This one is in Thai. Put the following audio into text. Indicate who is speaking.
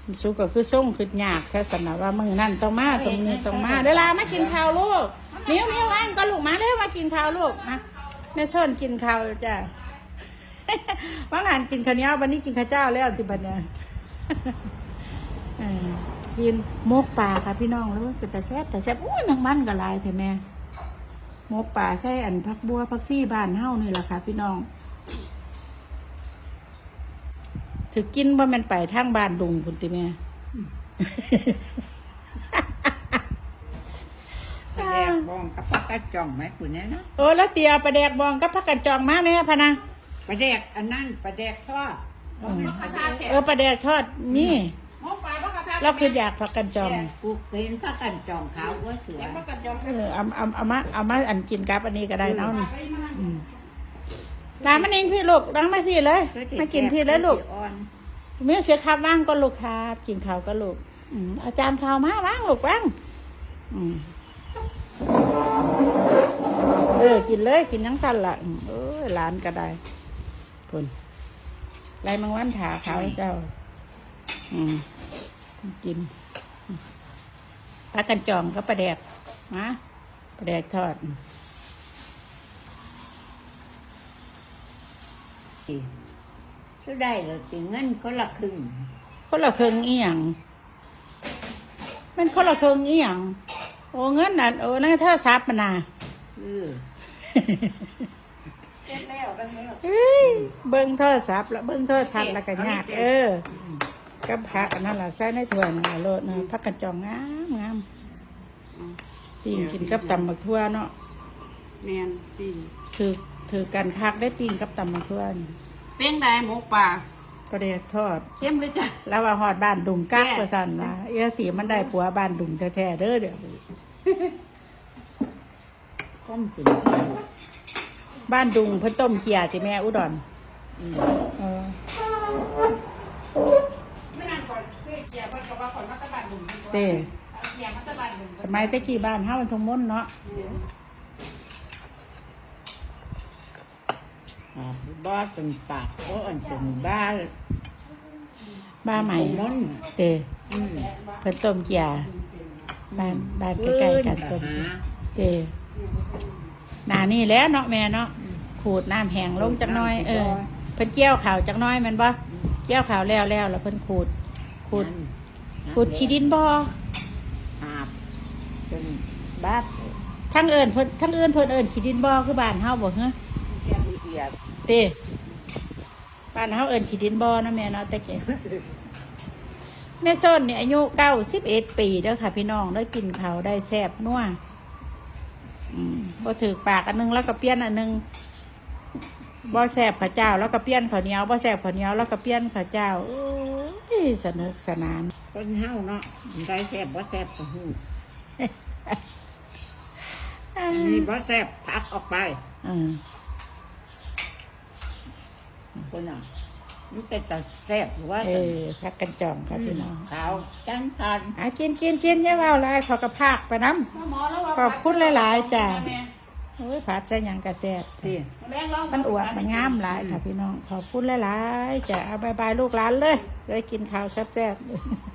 Speaker 1: สุกก็คือส่งคือยากแค่สนะว่ามึงนั่นต้องมาตรงนี้ต้องมาเวลามากินข้าวลูกมิ้วว่างก็ลูกมาเร็วมากินข้าวลูกมาแม่ส้นกินข้าวจ้ะว่างานกินข้าวเหนียววันนี้กินข้าวเจ้าแล้วสิบัดเนี่ยกินมกปลาค่ะพี่น้องแล้วเป็นแต่แซ่บอุ้ยแมงมันก็ลายเถอะแม่มกปลาใส่อันผักบัวผักซี่บ้านเฮานี่แหละค่ะพี่น้องถือกินว่ามันไปทางบ้านดุงคุณติแม่
Speaker 2: ปลาแดกบองกับผักกระจ่องไหมคุณเนี่ยนะ
Speaker 1: โอ้แล้วเตียปลาแดกบองกับผักกันจองมาเนี่ยพะนะ
Speaker 2: ปลาแดกอันนั้นปลาแดกทอด
Speaker 1: ปลาแดกทอดนี่เราคืออยากผักกันจอง
Speaker 2: ปลูกเป็นผักกันจ่องขาวก็สวย
Speaker 1: เอามาอันกินกับอันนี้ก็ได้เนาะร้านมันเองพี่ลูกร้านมาพี่เลยมากินพี่เลยลูกมีเสียข้าวว่างก็ลูกครับกินข้าวก็ลูกอาจารย์ข้าวมาว่างลูกว่างกินเลยกินทั้งสั้นละร้านก็ได้คนไรมังวันถาเขาเจ้ากินปลากันจอมก็ปลาแดกนะปลาแดกทอด
Speaker 2: ก็ได้เลยสิเงินคนละครึ่ง
Speaker 1: อีหยังมันคนละครึ่งอีหยังโอ้เงินน่ะโอ้นั่นถ้าซับมันน่ะเบิ้งโทรศัพท์แล้วเบิ้งโทรทัศน์แล้วก็ยากกับผักอันนั้นแหละใส่ในถ้วยนะโลดนะผักกันจองงามปิ้งกินกับตำมะทั่วเนาะ
Speaker 2: แมนปิ้ง
Speaker 1: ถือกันพักได้ปิ้งกับตำมะทั่ว
Speaker 2: เป้งได้หมูป่า
Speaker 1: ก็ได้ทอด
Speaker 2: เข้มเลยจ้ะ
Speaker 1: แล้วว่าหอดบ้านดุงกักประสันว่าสีมันได้ผัวบ้านดุงแท้ๆเด้อเดี๋ยว
Speaker 2: ก้มกิน
Speaker 1: บ้านดุงเพิ่นต้มเกี๊ยที่แม่อุดร
Speaker 2: ไม่นานก่อนซื้อเกี๊ยเพิ่นก็ว่าคนมาตะบ้านดุง
Speaker 1: เต้
Speaker 2: เกี๊ยมาตะบ้านดุง
Speaker 1: สมัยตะกี้บ้านเฮามันทงม้นเนาะ
Speaker 2: บ้าเป็นปากเพราะอันเป็นบ้า
Speaker 1: ใหม่
Speaker 2: ม้น
Speaker 1: เต้เพิ่นต้มเกี๊ยบ้านใกล้ๆกันต้มเต้หน้านี่แล้วเนาะแม่เนาะขูดน้ำแห้งลงจักน้อยเพิ่นเกี่ยวข่าวจักน้อยมันบ่เกี่ยวข่าวแล้วแล้วเพิ่นขูดขี้ดินบ่
Speaker 2: เป็นบ้า
Speaker 1: ทั้งเพิ่นเอิ้นขี้ดินบ่คือบ้านเฮาบ่ฮะเต้บ้านเฮาเอิ้นขี้ดินบ่นะแม่เนาะแต่แกแม่ส้นนี่อายุ91 ปีเด้อค่ะพี่น้องได้กินข้าวได้แซ่บนัวบ่ถือปากอันนึงแล้วก็เปลี่ยนอันนึงบ่แซ่บข้าวเจ้าแล้วก็เปลี่ยนข้าวเหนียวบ่แซ่บข้าวเหนียวแล้วก็เปลี่ยนข้าวเจ้าสนุกสนาน
Speaker 2: คนเฮาเนาะได้แซ่บบ่แซ่บก็ฮู้มีบ่แซ่บพักออกไปคนน่ะมันเป็นแต่แซ่บหรือว่า
Speaker 1: พักกันจองครับพี่น้อง
Speaker 2: ขาวจังทัน
Speaker 1: กินอย่าเว้าหลายเขาก็พากไปน้ำขอบคุณหลายๆจ้ะโอ้ยผัดใส่หยังกระแซ่บมันอวดมันงามหลายค่ะพี่น้องขอบคุณหลายๆจ้ะเอาบายลูกหลานเลยได้กินข้าวแซ่บๆ